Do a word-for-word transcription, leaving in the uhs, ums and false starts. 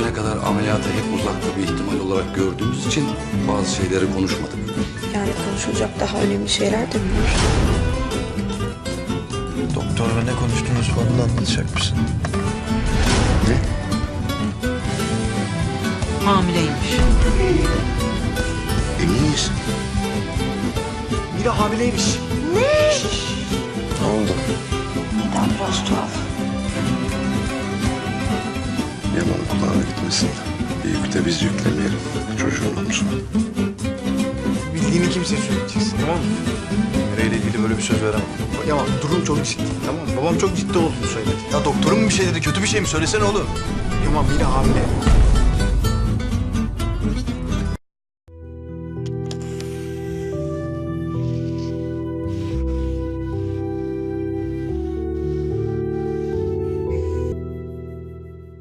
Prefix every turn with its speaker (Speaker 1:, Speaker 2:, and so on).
Speaker 1: bugüne kadar ameliyatı hep uzakta bir ihtimal olarak gördüğümüz için bazı şeyleri konuşmadık.
Speaker 2: Yani konuşulacak daha önemli şeyler de mi var?
Speaker 3: Doktorla ne konuştunuz onu da anlatacak mısın?
Speaker 1: Ne?
Speaker 4: Hamileymiş.
Speaker 1: Emin miyiz?
Speaker 3: Mira hamileymiş.
Speaker 1: Ne oldu?
Speaker 2: Neden biraz tuhaf?
Speaker 1: Yaman kulağına gitmesin. Bir yük de biz yüklemeyelim çocuğun omzuna.
Speaker 3: Bildiğini kimseye söyleyeceksin, tamam mı? Mira ile ilgili böyle bir söz veremem. Yaman durum çok ciddi, tamam mı? Babam çok ciddi olduğunu söyledi. Ya doktorun mu bir şey dedi, kötü bir şey mi? Söylesene oğlum. Yaman Mira hamile.